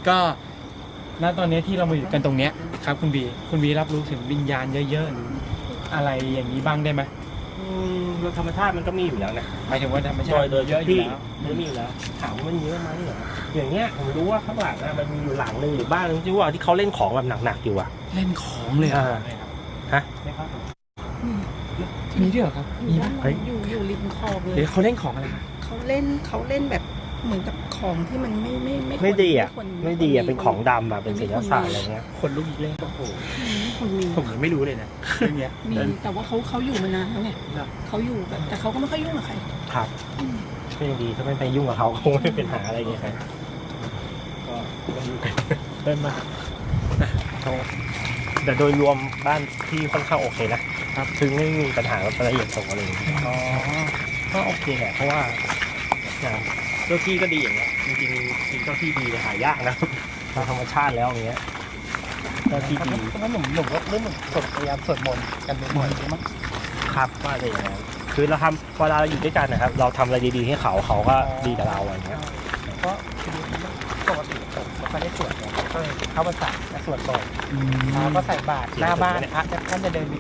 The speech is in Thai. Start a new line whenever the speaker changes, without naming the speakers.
ก็ณตอนนี้ที่เรามาอยู่กันตรงเนี้ยครับคุณบีรับรู้ถึงวิญญาณเยอะๆอะไรอย่างนี้บ้างได้ไหม
แล้วธรรมชาติมันก็มีอยู่แล้วนะ
หมายถึงว่าธรรมชาติ
โดย
เยอะอยู่
ที่
แล้ว
มันมีอยู่แล้วถามว่ามันเยอะไหมเหรออย่างเงี้ยผมรู้ว่าข้างหลังนะมันมีอยู่หลังนึงหรือบ้านนึงที่ว่าที่เขาเล่นของแบบหนักๆอยู่อะ
เล่นของเลยเหรอ
ฮะ
มีด้วยเหรอครับมีไหม
เฮ้ย
อยู่ริมคลองเล
เดี๋
ย
ยวเขาเล่นของอะไรครับ
เขาเล่นแบบเหมือนกับของที่มัน
ไม่ดีอะ
ควร
ไม่ดีอะเป็นของดำอะเป็นศิลศาสตร์อะไรเงี้ย
คนลุกอีกแล้วโอ้โห
ไม่ควรมี
ผมยังไม่รู้เลยนะเรื่องเนี้ย
มีแต่ว่าเขาอยู่มานานแล้วไง
เหรอ
เขาอยู่แบบแต่เขาก็ไม่ค่อยยุ่งกับใคร
ครับก็ยังดีถ้าไม่ไปยุ่งกับเขาคงไม่เป็นหาอะไรอย่างเงี้ยครับก็เริ่มมาแต่โดยรวมบ้านที่ค่อนข้างโอเคนะครับถึงไม่มีปัญหาอะไรอย่างตรงอะไรอย่างเงี้ย
อ๋อ
ก็โอเคแหละเพราะว่าเจ้าที่ก็ดีอย่างเงี้ยจริงๆเจ้าที่ดีหายากนะตามธรรมชาติแล้วอย่างเงี้ยเจ้าที่ดี
แล้วหนุ่มก็เริ่มพยายามสวดมนต์กันบ่อยๆใช่ไหม
ครับว่าอะไรอย่างเงี้ยคือเราทำเวลาเราอยู่ด้วยกันนะครับเราทำอะไรดีๆให้เขาเขาก็ดีกับเราอะไรเงี้ย
ก็ปกติผมไม่ได้สวดเลยก็เข้าพรรษาจะสวดบ่อยแล้วก็ใส่บาตรหน้าบ้านพระท่านจะเดินบิ